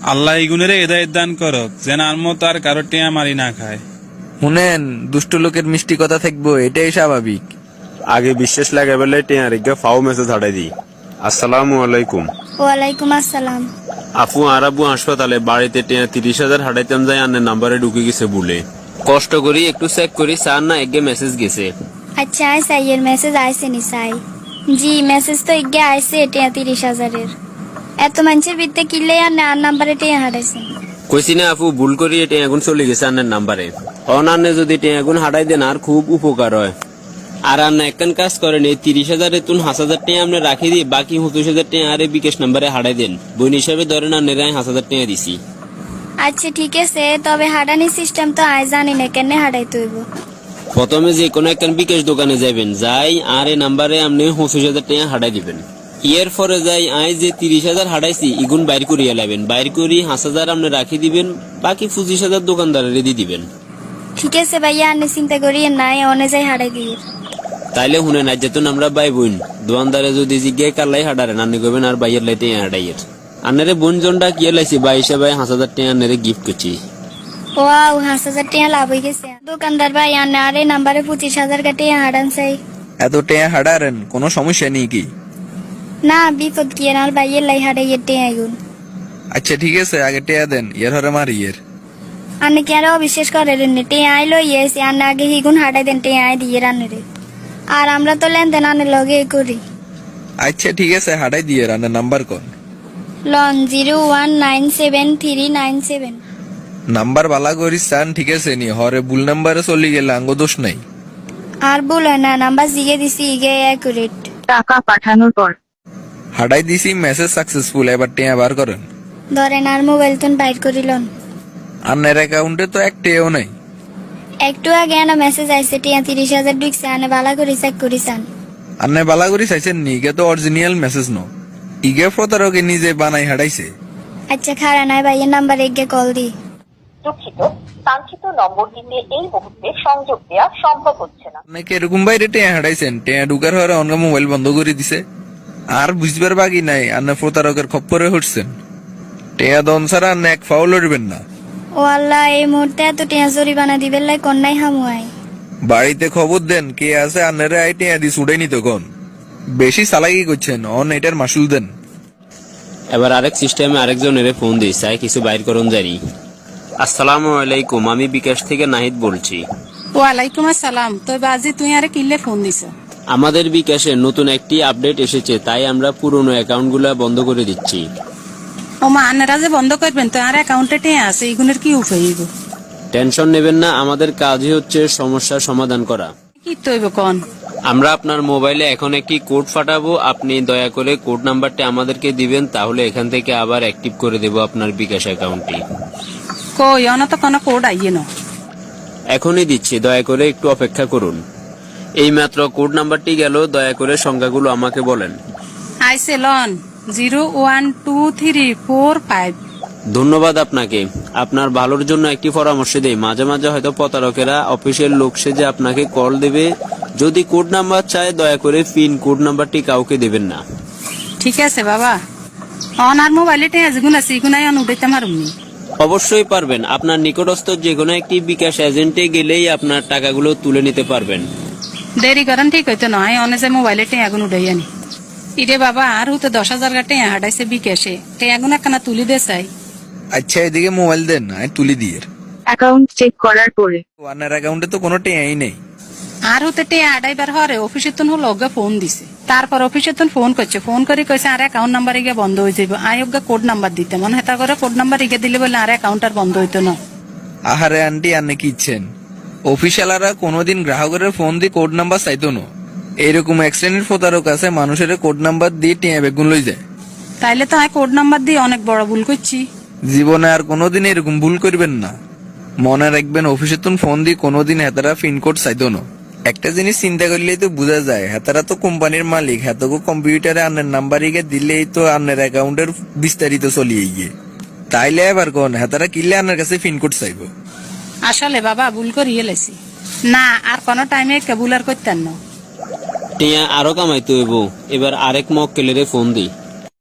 আল্লাহ ইগুনের হেদায়েত দান করক, যেন আর মতো আর কারো টিয়া মারি না খায়। শুনেন, দুষ্ট লোকের মিষ্টি কথা থাকবো, এটাই স্বাভাবিক। আগে বিশ্বাস লাগে বলে টিয়া রেখে ফাও মেসেজ হাঁটাই দিই। আসসালামু আলাইকুম। ওয়ালাইকুম আসসালাম। আফু আর আব্বু হাসপাতালে, বাড়িতে টিয়া 30,000 হাঁটাইতাম যাই, আন্নের নাম্বারে ঢুকে গেছে বলে। কষ্ট করি একটু চেক করি, স্যার না এগে মেসেজ গেছে। আচ্ছা আয় সাইয়ের মেসেজ আইসে নি সাই? জি মেসেজ তো এগে আইসে, টিয়া 30,000-এর। এত মানুষের বিদ্যে কিনলে আর নাম্বারে টিয়া হারাইছে। কইছি না আফু, ভুল করি টিয়া এখন চলে গেছে আন্নের নাম্বারে। অনান্নে যদি টিয়া এখন হাঁটাই দেন আর খুব উপকার হয়। আর আন্না একখান কাজ করেন, এই 30,000 তুন 5,000 টাকা আপনি রাখি দিই, বাকি 25,000 টাকা আরে বিকাশ নাম্বারে হাঁটাই দেন। বোন হিসাবে ধরেন আন্নের 5,000 টাকা দিছি। আচ্ছা ঠিক আছে, তবে হাঁটানি সিস্টেম তো আয় জানি না, কেন হাঁটাই তৈব? প্রথমে যে কোনো একখান বিকাশ দোকানে যাবেন, যাই আর এই নাম্বারে আপনি 25,000 টাকা হাঁটাই দিবেন। এর পরে যাই আই যে 30,000 হাঁটাইছি ইগুন বাইর করিয়া লাবেন, বাইর করি 5,000 আপনি রাখি দিবেন, বাকি 25,000 দোকানদারের দিয়ে দিবেন। ঠিক আছে ভাইয়া, আপনি চিন্তা করিয়ে নাই, অনে যাই হাঁটাই দিয়ে। তাইলে শুনে না যেতুন আমরা বাই বোন, দোকানদারে যদি জিজ্ঞাসা কালাই হাঁটারেন আন্নি করবেন আর বাইয়ের লাইতে হাঁটাইয়ের। আন্নারে বোন জনটা কি লাইছি, বাই হিসাবে 5,000 টাকা আন্নারে গিফট করছি। ওয়াও, 5,000 টাকা লাভ হয়ে গেছে। দোকানদার ভাই আনে আর এই নাম্বারে 25,000 টাকা হাঁটান চাই। এত টেয়া হাঁটারেন, কোনো সমস্যা নেই কি? না বিপদ কি আর ভাইয়ের লাই হাঁটাইয়ের টিয়া আইগুন। আচ্ছা ঠিক আছে, আগে টেয়া দেন, এর হরে মারি এর। আনে কি আর অবিশ্বাস করেন? টিয়া আইলো ইয়েছি, আনে আগে হিগুন হাঁটাই দেন, টিয়া আই দিয়ে রান্নে রে। আর আমরা তো লেনদেন আনে লগে করি। আচ্ছা ঠিক আছে, হাঁটাই দিয়ে রান্নার নাম্বার কোন? লন 01973997। নাম্বার বালা করিস চান, ঠিক আছে নি, হরে ভুল নাম্বারে চলে গেলে আঙ্গ দোষ নাই। আর ভুল হয় না, নাম্বার জিগে দিছি ইগে অ্যাকুরেট। টাকা পাঠানোর পর হাঁটাই দিছি, মেসেজ সাকসেসফুল, এবার টেয়া বার করেন। ধরেন আর মোবাইল তুন বাইর করিলন। আন্নের অ্যাকাউন্টে তো এক টেয়াও নাই। একটু আগে আনা মেসেজ আইছে, টিয়া 30,000 ঢুকছে, আনে বালা করে চেক করিসান। আন্নে বালা করি চাইছেন নি, ইগে তো অরিজিনাল মেসেজ ন, ইগে প্রতারকে নিজে বানাই হাঁটাইছে। আচ্ছা খারা নাই ভাইয়ের নাম্বার এগে কল দি। দুঃখিত, কাঙ্ক্ষিত নম্বরটিতে এই মুহূর্তে সংযোগ দেওয়া সম্ভব হচ্ছে না। অনেকে এরকম বাইরে টেয়া হাঁটাইছেন, টেয়া ঢুকার হরে অন্য মোবাইল বন্ধ করে দিছে। আর বুঝবার বাকি নাই, আন্নে প্রতারকের খপ্পরে হটছেন। টেয়া দন ছাড়া আন্নে এক ফাও লড়বেন না। ও আল্লাহ, এই মুহূর্তে এত টিয়া জরিমানা দিবেন লাই কন্যাই হামুয়াই। বাড়িতে খবর দেন কে আছে, আন্নারে আই টেয়া দি ছুড়ে নিত কোন। বেশি চালাকি করছেন, অন এটার মাসুল দেন। এবার আরেক সিস্টেমে আরেকজনের ফোন দিই, চাই কিছু বাইর করুন জানি। আসসালামু আলাইকুম, আমি বিকাশ থেকে নাহিদ বলছি। ওয়ালাইকুম আসসালাম। তো বাজি তুই আরে কিল্লে ফোন দিছ? আমাদের বিকাশে নতুন একটি আপডেট এসেছে, তাই আমরা পুরনো অ্যাকাউন্টগুলো বন্ধ করে দিচ্ছি। ও মা, আনারা যে বন্ধ করবেন তো আর অ্যাকাউন্টে টেঁ আছে, এগুনের কি উপায় হইব? টেনশন নেবেন না, আমাদের কাজই হচ্ছে সমস্যার সমাধান করা। কি তৈব কন? আমরা আপনার মোবাইলে এখন একটি কোড পাঠাবো, আপনি দয়া করে কোড নাম্বারটি আমাদেরকে দিবেন, তাহলে এখান থেকে আবার অ্যাক্টিভ করে দেব আপনার বিকাশ অ্যাকাউন্টটি। কই অনা তো কোনো কোড আইয়ে ন। এখনই দিচ্ছি, দয়া করে একটু অপেক্ষা করুন। এই মাত্র কোড নাম্বারটি গেল, দয়া করে সংখ্যাগুলো আমাকে বলেন। আইসে লন 012345। ধন্যবাদ আপনাকে। আপনার ভালোর জন্য একটি পরামর্শ দেই, মাঝে মাঝে হয়তো প্রতারকেরা অফিসের লোক সেজে আপনাকে কল দেবে। যদি কোড নাম্বার চায়, দয়া করে পিন কোড নাম্বারটি কাউকে দেবেন না। ঠিক আছে বাবা, অন আর মোবাইলে টেঁ যেগুন আছে এগুনাই অন উঠাইতে মারুমনি। অবশ্যই পারবেন, আপনার নিকটস্থ যে কোনো একটি বিকাশ এজেন্টে গেলেই আপনার টাকাগুলো তুলে নিতে পারবেন। দেরি করেন ঠিক হইতো নয়, অনে যে মোবাইলে টেঁ আগুন উঠাই আনি। ইরে বাবা, আর হুতে 10,000 টেঁ হাঁটাইছে বিকাশে, টেঁ আগুন একখানা তুলি দে চাই। আচ্ছা এদিকে মোবাইল দেন, আমি তুলি দিয়ে। অ্যাকাউন্ট চেক করার পরে ওয়ানের অ্যাকাউন্টে তো কোনো টেয়াই নেই। আর হতে টেঁ আড়াইবার হরে অফিসে তুন হলো ওগা ফোন দিছে, তারপর অফিসে তুন ফোন করছে, ফোন করে কইছে আর অ্যাকাউন্ট নাম্বার ইগে বন্ধ হয়ে যাবে। আই ওগা কোড নাম্বার দিতে মনে হেতা করে কোড নাম্বার ইগে দিলে বলে আর অ্যাকাউন্ট আর বন্ধ হইতো না। আহারে আন্টি, আন্নে কি ইচ্ছেন? অফিসিয়ালারা কোনোদিন গ্রাহকের ফোন দিয়ে কোড নাম্বার চাইতো না। এইরকম এক শ্রেণীর প্রতারক আছে, মানুষের কোড নাম্বার দিয়ে টিয়া বেগুন লই যায়। তাইলে তো আমি কোড নাম্বার দিয়ে অনেক বড় ভুল করছি। জীবনে আর কোনোদিন এরকম ভুল করবেন না। মনে রাখবেন, অফিসে তুন ফোন দিয়ে কোনোদিন হেতারা পিনকোড চাইতো না। একটা জিনিস চিন্তা করলেই তো বোঝা যায়, হেতারা তো কোম্পানির মালিক, হেতকো কম্পিউটারে আন্নের নাম্বার ইগে দিলেই তো আন্নের অ্যাকাউন্টের বিস্তারিত চলিয়ে গিয়ে। তাইলে এবার কোন হেতারা কিনলে আন্নের কাছে পিনকোড চাইবো? আসলে বাবা ভুল করিয়ে লাইছি, না আর কোনো টাইমে ভুল আর করতেন না। টিয়া আরো কামাইতে হইব। এবার আরেক মক্কেলের ফোন দিই।